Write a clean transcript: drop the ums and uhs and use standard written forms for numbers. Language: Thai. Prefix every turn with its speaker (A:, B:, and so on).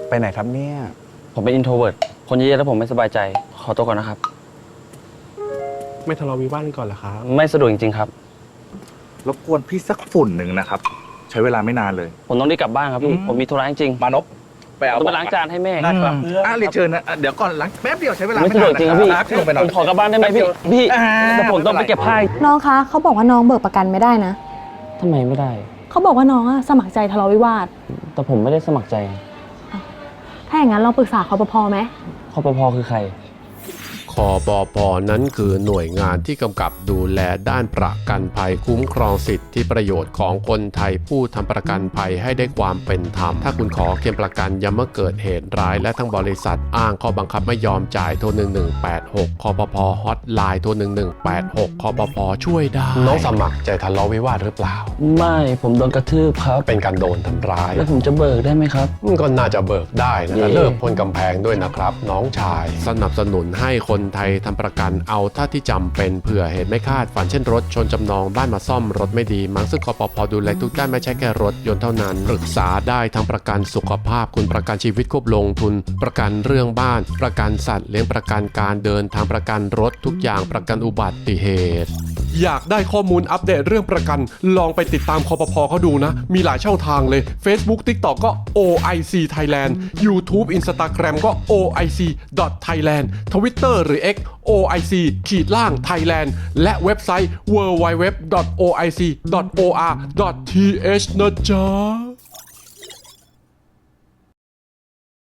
A: ไปไหนครับเนี่ย
B: ผมเป็น introvert คนเยอะๆแล้วผมไม่สบายใจขอตัวก่อนนะครับ
C: ไม่ทะเลาะวิวาทก่อนเหรอครับ
B: ไม่สะดวกจริงๆครับ
A: รบกวนพี่สักฝุ่นหนึ่งนะครับใช้เวลาไม่นานเลย
B: ผมต้องรีบกลับบ้านครับพี่ผมมีธุระจริง
A: มานพไปเอา
B: ต้องไปล้างจานให้แม่
A: นะครับเรียนเชิญนะเดี๋ยวก่อนล้างแป๊บเดียวใช้เวลา
B: ไม่สะดวกจริงครับพี่
A: ลงไปหน่อ
B: ผ
A: ย
B: มขอกลับบ้านได้ไหมพี่แต่ผมต้องไปเก็บผ้า
D: น้องคะเขาบอกว่าน้องเบิกประกันไม่ได้นะ
B: ทำไมไม่ได้
D: เขาบอกว่าน้องอะสมัครใจทะเลาะวิวาท
B: แต่ผมไม่ได้สมัครใจ
D: ถ้าอย่างนั้นลองปรึกษาคปภไหม
B: คปภคือใคร
E: คปภ.นั้นคือหน่วยงานที่กำกับดูแลด้านประกันภัยคุ้มครองสิทธิประโยชน์ของคนไทยผู้ทำประกันภัยให้ได้ความเป็นธรรมถ้าคุณขอเคลมประกันย้ำเมื่อเกิดเหตุร้ายและทั้งบริษัทอ้างข้อบังคับไม่ยอมจ่ายโทร1186คปภ.ฮอตไลน์โทร1186คปภ.ช่วยได้น้องสมัครใจทะเลาะวิวาทหรือเปล่า
B: ไม่ผมโดนกระทืบครับ
E: เป็นการโดนทำร้าย
B: แล้วผมจะเบิกได้ไหมครับ
E: ก็น่าจะเบิกได้นะเลิกพ้นกำแพงด้วยนะครับน้องชายสนับสนุนให้คนไทยทำประกันเอาถ้าที่จำเป็นเผื่อเหตุไม่คาดฝันเช่นรถชนจำนองบ้านมาซ่อมรถไม่ดีมั้งซึ่งคปภ.ดูแลทุกด้านไม่ใช่แค่รถยนต์เท่านั้นปรึกษาได้ทั้งประกันสุขภาพคุณประกันชีวิตควบลงทุนประกันเรื่องบ้านประกันสัตว์เลี้ยงประกันการเดินทางประกันรถทุกอย่างประกันอุบัติเหตุอยากได้ข้อมูลอัปเดตเรื่องประกันลองไปติดตามคปภ.เขาดูนะมีหลายช่องทางเลย Facebook TikTok ก็ OIC Thailand YouTube Instagram ก็ OIC.Thailand Twitter หรือ X OIC-Thailand และเว็บไซต์ www.oic.or.th นะจ๊ะ